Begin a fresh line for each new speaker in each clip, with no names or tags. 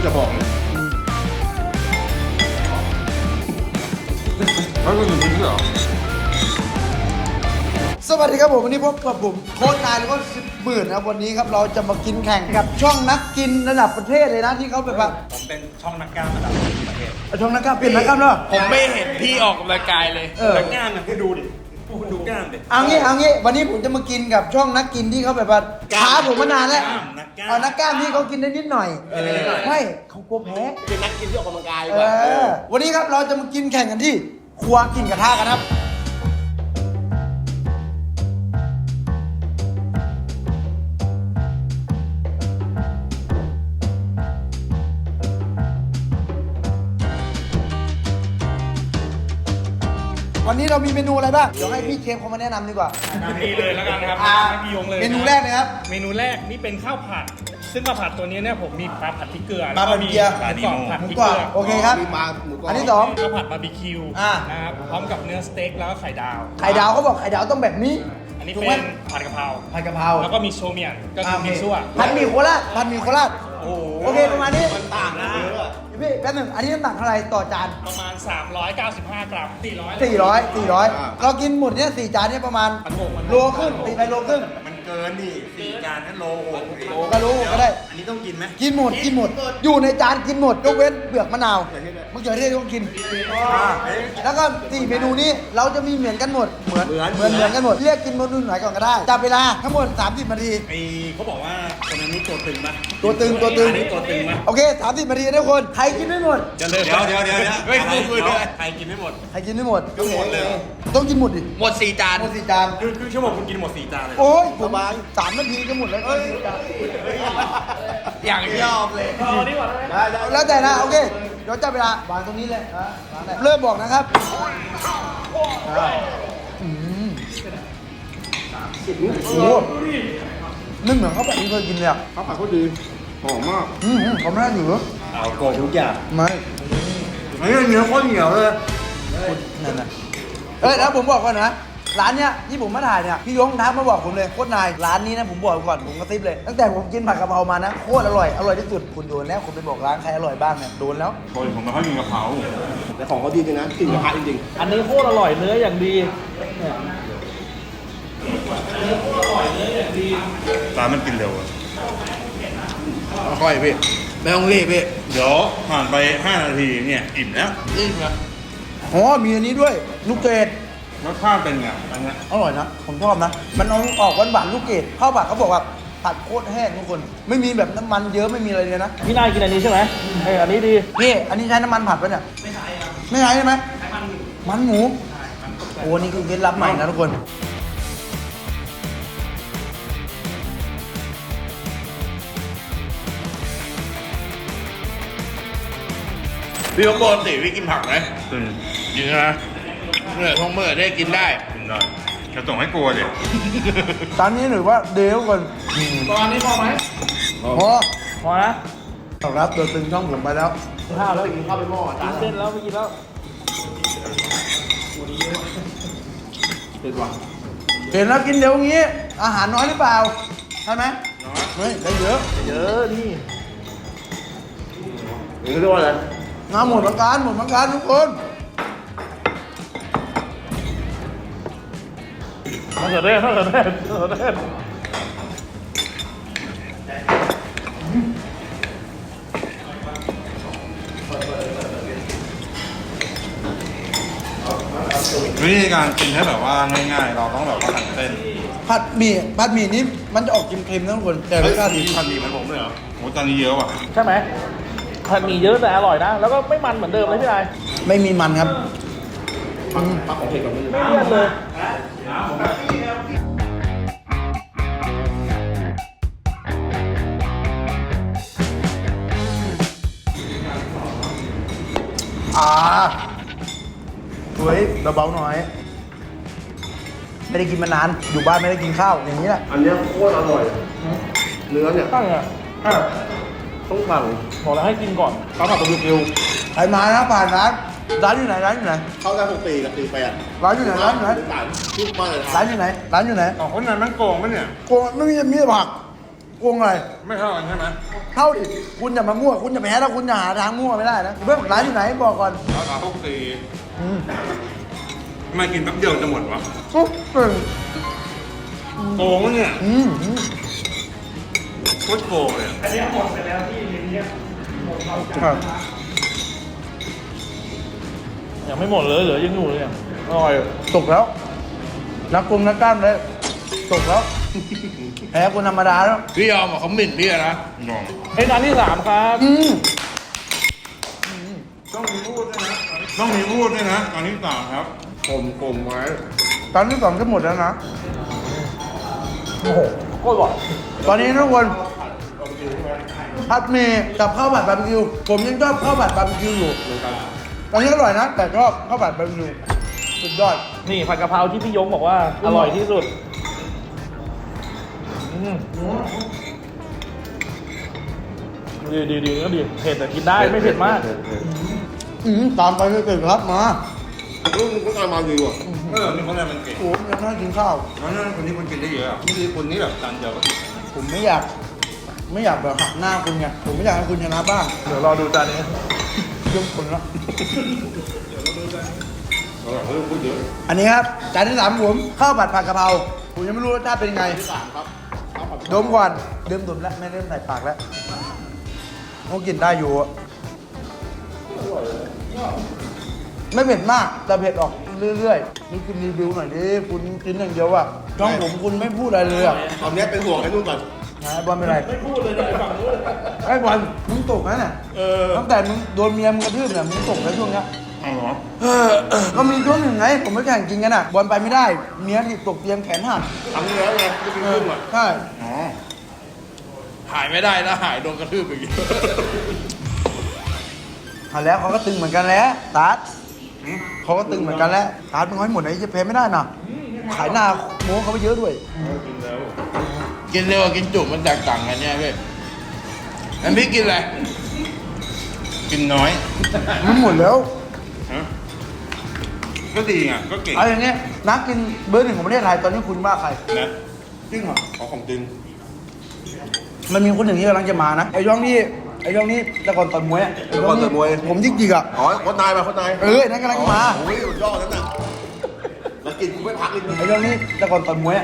จะบอกแล้วคุณอยู่ที่นี่เหรอ
สวัสดีครับผมวันนี้พบกับผมโค้ชนายแล้วก็10,000นะครับวันนี้ครับเราจะมากินแข่งกับช่องนักกินระดับประเทศเลยนะที่เขาแบบว่า
ผมเป็นช่องนักกล้ามระดับประเทศ
ช่องนักกล้ามเปลี่ยนนักกล้ามแล้ว
ผมไม่เห็นพี่ออกกำลังกายเลย
นักกล้ามเนี่ยคุณดูดิคุณดูกล้ามดิ
เอางี้วันนี้ผมจะมากินกับช่องนักกินที่เขาแบบว่าท้าผมมานานแล้ว
นักกล้าม
เอานักกล้ามที่เขากินได้นิดหน่อยไม่เขากลัวแพ้
เป็นนักกินที่ออกกำลังกาย
วันนี้ครับเราจะมากินแข่งกันที่ครัวกินกระทะกันครับวันนี้เรามีเมนูอะไรบ้างเดี๋ยวให้พี่เชฟเขามาแนะนำดีกว่า
นี่เลยแล้วกันนะครับให้พี่ยงเลย
เมนูแรกเลยครับ
เมนูแรกนี่เป็นข้าวผัด ซึ่งข้าวผัดตัวนี้เนี่ยผมมีปลาผัดพริกเกลือ
ปลาผัดพริกเกลือ
แล้วก็มีหมูกรอบผัด
หมู
พริก
กรอ
เก
บ
ลือ
โอเคครับ
มีมาหมูกรอบ
อันที่สอง
ข้าวผัดบาร์บีคิว
อ่า
นะครับพร้อมกับเนื้อสเต็กแล้วก็ไข่ดาว
ไข่ดาวเขาบอกไข่ดาวต้องแบบนี้
อันนี้
ถูก
เป็
ไหม
นผัดกะเพรา
ผัดกะเพรา
แล้วก็มีโชเมียนก็คือมีซั่ว
ผัดหมี่โคราชผัดหมี่โคราช
โอ้โห
โอเคประมาณนี้
มันต่างกันเยอะ
พี่แป๊บหนึงอันนี้น้ำหนักเท่าไหร่ต่อจาน
ประมาณ 395 กรัม
400เรากินหมดเนี่ย4จานเนี่ยประมาณโลครึ่งตีไปโลครึ่ง
มันเกินดิ4 จานนั่นโลโอ้โห
ก็รู้ก็ได้
อันนี้ต้องกินไหม
กินหมดอยู่ในจานกินหมดยกเว้นเปลือกมะนาวมะเขือเทศต้องกินแล้วก็4เมนูนี้เราจะมีเหมือนกันหมดเหมือนกันหมดเรียกกินเมนูไหนก่อนก็ได้จับเวลาทั้งหมด30นาที
ไอเขาบอกว่าคนนั้นนี่ตัวตึงปะ
ตัวตึง
อันนี้ตัวตึงปะ
โอเค30นาทีนะทุกคนใครกินไม่หมด
เดี๋ยวไม่คุยเลยใครกินไม่หมด
ใครกินไม่หมด
ก็หมดเลย
ต้องกินหมดดิ
หมด 4 จาน
หมด4จาน
คือชั่วโมงคุณกินหมด4 จานเลย
โอ้ยผม3นาทีก็หมดแล้ว4จาน
อย่างยอมเลย
แล้วแต่นะโอเคเดี๋ยวจับเวลาวางตรงนี้เลยนะวางได้เริ่มบอกนะครับอืมโอ้โหนึ่งเหมือนข้าวผัดที่เคยกินเลยอ่ะ
ข้าวผัดก็ดีหอมมาก
เขาไม่ได้ถือ
เอาโกทุกอย่าง
ไม่
เฮ้ยเนื้อโคตรเหนียวเลย
นั่นน่ะแล้วผมบอกก่อนนะร้านเนี้ยที่ผมมาถ่ายเนี่ยพี่ยงทักมาบอกผมเลยโคตรนายร้านนี้นะผมบอกก่อนผมกระซิบเลยตั้งแต่ผมกินผัดกะเพรามานะโคตรอร่อยที่สุดคุณโดนแล้วคุณไปบอกร้านใครอร่อยบ้างเนี่ยโดนแล้ว
โอ้ยผมไม่ค่อยกินกะเพราแต่ของเขาดีจริงนะกลิ่นกระทะจริง
อันนี้โคตรอร่อยเนื้ออย่างดี
ร้านมันกินเร็ว
ค่อยพี่ไม่ต้องรีบพี่
เดี๋ยวผ่านไป5 นาทีเนี่ยอิ่มแล้ว
อ๋อมีอันนี้ด้วยลูกเกด
รสชาติเป็นไงอันเนี้ย
อร่อยนะผมชอบนะมันเอาออกหวานๆลูกเกดข้าวผัดเขาบอกว่าผัดโคตรแห้งทุกคน ไม่มีแบบน้ำมันเยอะไม่มีอะไรเลยนะ
พี่นายกินอันนี้ใช่ไหมอันนี้ดี
พี่อันนี้ใช้น้ำมันผัดปะเนี่ยไม่ใช้ครับไม่ใช้ใช่ไหมมันหมูโอ้นี่คือเคล็ดลับใหม่นะทุกคน
พี่ปกติพี่กินผักไหม
ตึง
กินนะเนี่ยท้องเมื่อได้กินได้
กินได้จะส่งให้กลัวดิ
จานนี้ถือว่าเดยวก่อน
ตอนนี้พอไหม
พอ
พอนะ
ครับตัวตึงช่องผมไปแล้ว
ข้าวแล้ว
กินข้าวไปหม้อ
กินเส้นแล้วไม่กินแล้ว
เป็นว่ะ
เห็นแล้วกินเร็วงี้ อาหารน้อยหรือเปล่าใช่ไหมเฮ้ยได้เยอะ
เยอะนี่
นี่เรียกว่าอะไร
งานหมดประการทุกคน
มะเขือเทศ
วิธีการกินให้แบบว่าง่ายๆ เราต้องแบบว่าหั่นเส้น
ผัดหมี่นี้มันจะออกเค็มๆนะทุกคนแต่รสชาติดี
ผัดหมี่เหมันผมเลยเหรอโหตอนนี้เยอะว่ะ
ใช่ไหมผัดหมี่เยอะแต่อร่อยนะ แล้วก็ไม่มันเหมือนเดิมเลยพี่นาย
ไม่มีมันครับ
ผักของเผ็ดกับมือ
ไม่เลี่ยนเลย
สวยเบาๆหน่อย ไม่ได้กินมานานอยู่บ้านไม่ได้กินข้าวอย่างนี้แหละ
อันเนี้ยโคตรอร่อย เนื้อเนี่ย
ตั้งอ่ะ
ต้องสั่ง
บอกแล้วให้กินก่อน
ข้าวผัดบาร์บีคิว
ใครมานะผ่านร้านอยู่ไหน
เข้าได้6 ปีกับ48
ร้านอยู่ไหน
ที่บ้านเลย
ร้านอยู่ไหน
อ๋อคนนั้นมันโกงปะเนี่ย
โกงไม่มีแต่ผักโกงอะไร
ไม่เท่ากันใช่ไหม
เข้าดิคุณอย่ามามั่วคุณอย่าแพ้แล้วคุณอย่าหาทางมั่วไม่ได้นะเพื่อนร้านอยู่ไหนบอกก่อน
ราคาทุกตี
อืม
ทำไมกินแป๊บเดียวจะหมดวะ
ปุ๊บเปิง
โกงวะเนี่ย
อืม
โคตรโกงเลย
อันนี้หมดไปแล้วที่ริมเนี่ยหมดเราจัด
ครับ
ยังไม่หมดเลยเหลือยังอยู่เลยเนี่ยอร่อย
ตกแล้วนักกลมนักกล้ามเลยตกแล้วแพ้คนธรรมดาแล้ว
พี่ยอมอ่ะเขาหมิ่นพี่อะนะ
ยอม
เฮ้ยจานที่สามครับ
อืม
ต้องมีพูดด้วยนะต้องมีพูดด้วยนะอันที่สามครับผมไว้
ตอนที่สองจะหมดแล้วนะ
โอ้โหโคตรอร่อย
ตอนนี้ทุกคนผัดหมี่กับข้าวผัดบาร์บีคิวผมยังชอบข้าวผัดบาร์บีคิวอยู่ตอนนี้อร่อยนะแต่ชอบข้าวผัดบาร์บีคิวสุดยอด
นี่ผัดกะเพราที่พี่ยงบอกว่าอร่อยที่สุดอืมดีก็ดีเผ็ดแต่กินได้ไม่เผ็ดมาก
ตามไปไม่เกิดครับมา
ลูกมึงก็ตามมาดีว่ะนี่คนแรกมันเก่ง
โอ้โหยังน่ากินข้าว
แล้วคนนี้คนกินได้เยอะอ่ะนี่คือคนนี้แบบจานเดียวก็กิน
ผมไม่อยากแบบหักหน้าคุณไงผมไม่อยากให้คุณชนะบ้าง
เดี๋ยวรอดูจานนี้
ยกคนละ
เราแบบเฮ้ยพูดเยอะ
อันนี้ครับจานที่สามผมข้าวผัดผัดกะเพราผมยังไม่รู้รสชาติเป็นไงดมก่อนเริ่มดมแล้วไม่เริ่มใส่ปากแล้วเขากินได้อยู่อะไม่เผ็ดมากแต่เผ็ดออกเรื่อยๆนี่คุณรีวิวหน่อยดิคุณกินอย่างเดียวอะช่องผมคุณไม่พูดอะไรเลยอะ
ตอนนี้เป็นห่วงไอ้นู่นก่อน
นะบอลเป็นไร
ไม่พูดเลยในฝั่งนู้น
ไอ้บอลมึงตกนะเนี่ยตั้งแต่มึงโดนเมียมึงกระทืบเนี่ยมึงตกแล้วช่วงเนี้ย
เอาเหรอ
ก็มีช่วงหนึ่งไงผมไม่แข่งจริงกันอ่ะบอลไปไม่ได้เมียที่ตกเตียงแขนหัก
ทำแล้วไงก็เป็นขึ้นอ่ะ
ใช่
อ๋อ
หายไม่ได้นะหายโดนกระทืบอย่างงี้
หันแล้วเขาก็ตึงเหมือนกันแล้วตัดเขาก็ตึงเหมือนกันแล้วตัดมึงให้หมดไอ้จะแพ้ไม่ได้นะขายหน้าโม้เขาไปเยอะด้วย
กินเร็วกับกินจุมันแตกต่างกันเนี่ยพี่อันพี่กินอะไร
กินน้อย
มันหมดแล้ว
ฮะก็ดีไงก็เก่ง
เอาอย่างเงี้ยนักกินเบอร์หนึ่งของประเทศไทยตอนนี้คุณว่าใคร
นะ
จริงเหรอ
เอาของจริง
มันมีคนหนึ่งที่กำลังจะมานะไอ้ย่องนี่แต่ก่อนต่อยมวยอะไอ้ย่องนี่ผมยิกๆอ่ะ
อ๋อโคตรนายมาโคตรนาย
นั่นกำลังจะมา
โอ้ยสุดยอดนั่นน่ะแล้วกินกูไม่พักเลย
ไอ้ย่องนี่แต่ก่อนต่อยมวยอ่ะ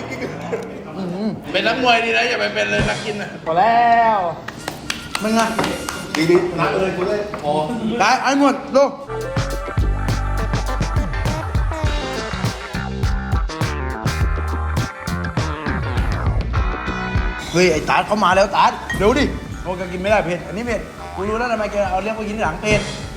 เป็นนักมวยดีนะอย่าไปเป็นเลยนักกินนะ
พอแล้ว
มึงอ่ะ
ดีนะเลยกูเลยพอ
ได้ไอ้หมดดูเฮ้ยไอ้ตาดเขามาแล้วตาดเดี๋ยวดิโอ้แกกินไม่ได้เผ็ดอันนี้เผ็ดกูรู้แล้วทำไมแกเอาเลี้ยงไปกินทีหลังเผ็ด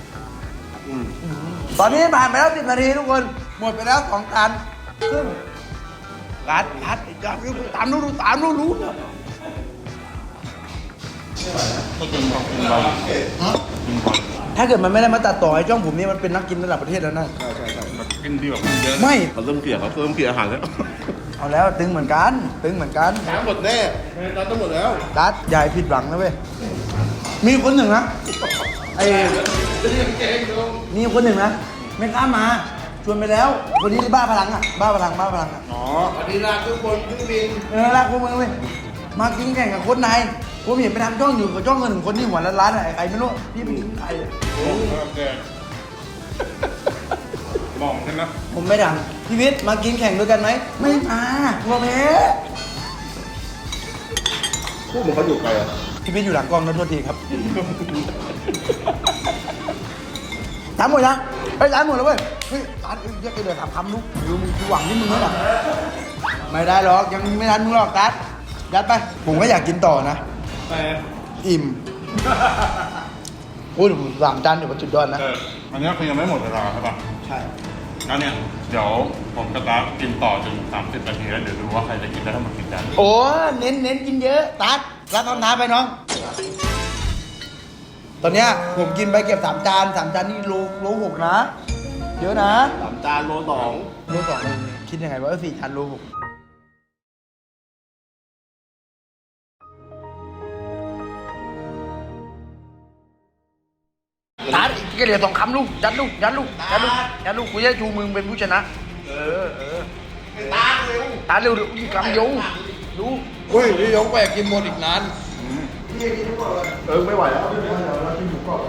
ตอนนี้ผ่านไปแล้ว10 นาทีทุกคนหมดไปแล้ว2 จานครึ่งรัดไอ้จ้าตามรู้
ก็กินของกินบอลกินบอล
ถ้าเกิดมันไม่ได้มาตัดต่อไอ้จ้องผมนี่มันเป็นนักกินระดับประเทศแล้วนะ
แบบกินดีแบบกินเยอะ
ไม่
เขาเริ่มเกลียดอาหารแล้ว
เอาแล้วตึงเหมือนกัน
น้ำหมดแน่น้ำต้องหมดแล้ว
ดัดอย่าใหญ่ผิดหวังนะเว้ยมีคนหนึ่งนะไอ้มีคนหนึ่งนะไม่กล้ามาชวนไปแล้วคนนี้บ้าพลังอ่ะบ้าพลังอ่ะ
อ๋อ
สวัสดีลาทุกคนเครื่องบิน
รักพวกมึงเว้ยมากินแข่งกับคนนายผมเห็นไปทำช่องอยู่กับช่องเงินคนที่หัวล้านๆอะไอ้ใครไม่รู้พี่ไปกินใครอะ
แกมองใช่ไหม
ผมไม่ดังพี่วิทย์มากินแข่งด้วยกันไหมไม่มาหัวแพ้
พูดเหมือนเขาอยู่ไกลอ่ะ
พี่วิทย์อยู่หลังกล้องนะโทษทีครับถามหมดยังไปถามหมดแล้วเว้ยเฮ้ยร้านเรียกไอ้เดือดถามลูกดูมึงกูหวังที่มึงแล้วล่ะไม่ได้หรอกยังไม่ทันมึงหรอกตัดยัดไปผมก็อยากกินต่อนะ
แต่
อิ่มโอ้ยผม3 จานเดี๋ยวมันสุดยอดนะ
อันนี้คือยังไม่หมดเวลาใช่ป่ะ
ใช่
แล้วเนี่ยเดี๋ยวผมจะตากินต่อจน30 นาทีแล้วเดี๋ยวดูว่าใครจะกินได้ทั้งหมดกี่จาน
โอ้เน้นกินเยอะตัดรับเอาน้ำไปน้อง ตอนเนี้ยผมกินไปเก็บ3 จาน3 จานนี่โล6นะเยอะนะ
3 จานโล 2
โล2คิดยังไงว่า4 จานโล6ตัดอีกแค่เดียว2 คำลูกยัดลูกกูจะชูมือเป็นผู้ชนะตาเร็วอีกคำยงรู้
เฮ้ยพี่ยงไปกินหมดอีกนาน
พี่กินทุกคนเลย
ไม่ไหวแล้ว
เรากินหมูกรอบกัน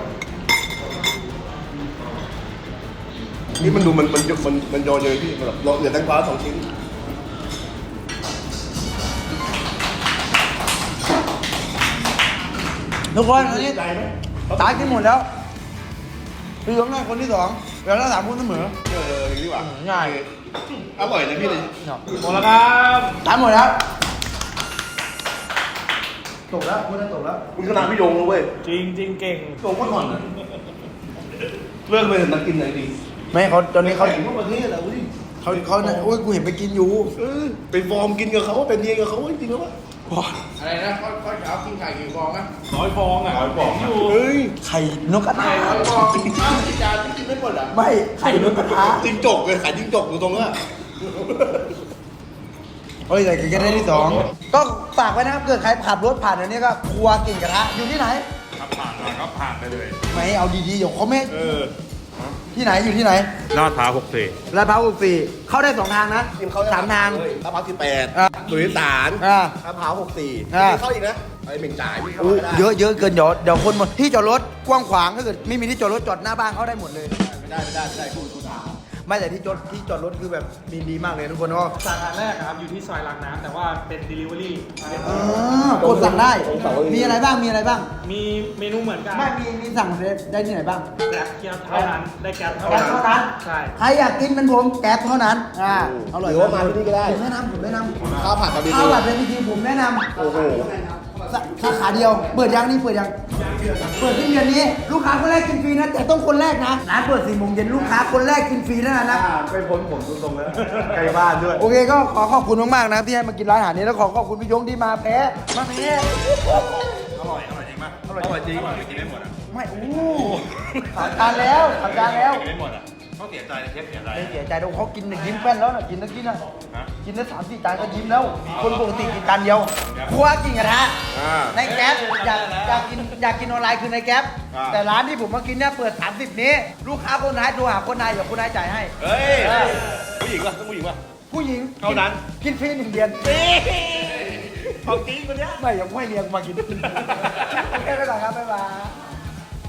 นี่มันดูมันโยนเยอะพี่มันแบบเหลือแตงกวา2 ชิ้น
ทุกคนอันนี้
ใจไหม
ตายกินหมดแล้วพี่ยงได้คนที่2แล้วเรา3คนเสมอ
อย่างนี้ดีกว่า
ง่าย
อร่อยนะพี่เลย
หมดแล้วครับ
ตายหมดแล้วตกแล้วคุณได้ตกแล้ว
คุณขนาดพี่โยงเลยเว้ย
จริงจริงเก่ง
โยงก็ก่อนนะเลิกเลยนักกินไหนดี
ไม่เขาตอนนี้เขา
แข่งทั่วประเทศอะอุ้ย
เขาโอ้ยกูเห็นไปกินอยู่
ไปฟอร์มกินกับเขาเป็นเมียกับเขาจริงๆแล้ววะ
อะไรนะข้าวเช้ากินไข่กี่ฟองนะ
100 ฟองอ่ะอยู่
เฮ้ย
ไข่นกกระทา
100 ฟองข้าวที่จานกินไม่หมดอ่ะ
ไม่ไข่นกกระทา
จิ้งจกเลยขายจิ้งจกอยู่ตรงนั้นอะ
โอ้ยแต่กินกันได้ที่2ก็ฝากไว้นะครับเกิดใครขับรถผ่านอันนี้ก็ครัวกิ่งกระทะอยู่ที่ไหน
ถ้าผ่านมาก็ผ่านไปเลย
ไม่เอาดีๆเดี๋ยวเขาไม่ที่ไหนอยู่ที่ไหน
ลาดพร้าว64
ลาดพร้าว64เข้าได้2ทางนะ
ทีมเขา
3ทาง
ลาดพร้าว
อ่ะ
18สุริสาร
อ่ะ
ลาดพร้าว64
อ่ะ
มีเข้าอีกนะไอ้เหม่งจ่ายพี่เข้า
อู้
ไม่ได้
เยอะเกินเดี๋ยวคนหมดที่จอดรถกว้างขวางถ้าเกิดไม่มีที่จอดรถจอดหน้าบ้านเขาได้หมดเลย
ไม่ได้คุณถาม
ไม่แต่ที่จอดรถคือแบบดีมากเลยทุกคนก็
สาขาแรกอะครับอยู่ที่ซอยรางน้ำแต่ว่าเป็น delivery
กดสั่งได้ มีอะไรบ้างมีอะไรบ้าง
มีเมนูเหมือนกัน
ไม่มีสั่งได้ที่ไหนบ้าง
แก๊สเคี่ยวเท่านั้นได้แก๊สเท่า
แก๊ส
นั้น
เท่านั้น
ใช่
ใครอยากกินเป็นผมแก๊สเท่านั้นอร่อย
หรือว่ามาที่นี่ก็ได้
ผมแนะนำ
ข้าวผัดบาร์บี
ข้า
คิ
ว
ว
ผัดเป็นวิธีผมแนะนำ
โอ้โห
สาขาเดียว เปิดยังนี่เปิดยังเปิดที่เดือนนี้ ลูกค้าคนแรกกินฟรีนะแต่ต้องคนแรกนะร้านเปิด4 โมงเย็นลูกค้าคนแรกกินฟรีนะ
ไปพ้นผมตรงๆแล้วใกล้บ้านด้วย
โอเคก็ขอขอบคุณมากๆนะที่ให้มากินร้านอาหารนี้แล้วขอขอบคุณพี่ยงที่มาแพ้
อร่อยจริงป่ะอร่อยจริงไม่กินได้หมดอ่ะ
ไม่โอ้ทำการแล้วทำการแล้ว
กินได้หมดอ่ะเขาเสียใจเชฟเสียใจ
ไม่เสียใจดูเขากินยิ้มแป้นแล้วนะกินแล้วกินนะกินได้3-4 จานก็ยิ้มแล้ว คนปกติกินจานเดียวครัวกินกระทะในแก๊ปอยากกินออนไลน์คือในแก๊ปแต่ร้านที่ผมมากินเนี่ยเปิด30นี้ ลูกค้าคนไหนโทรหาคนไหนเดี๋ยวคนไหนจ่ายให้
เฮ้ย ผู้หญิงป่ะต้องผู้หญิงป่ะ
ผู้หญิง
เท่านั้น
กินฟรี1 เดือน
ของจริงคนเนี้ย
ไม่ยังไม่เลี้ยงมากินโอเคไปก่อนครับบ๊ายบาย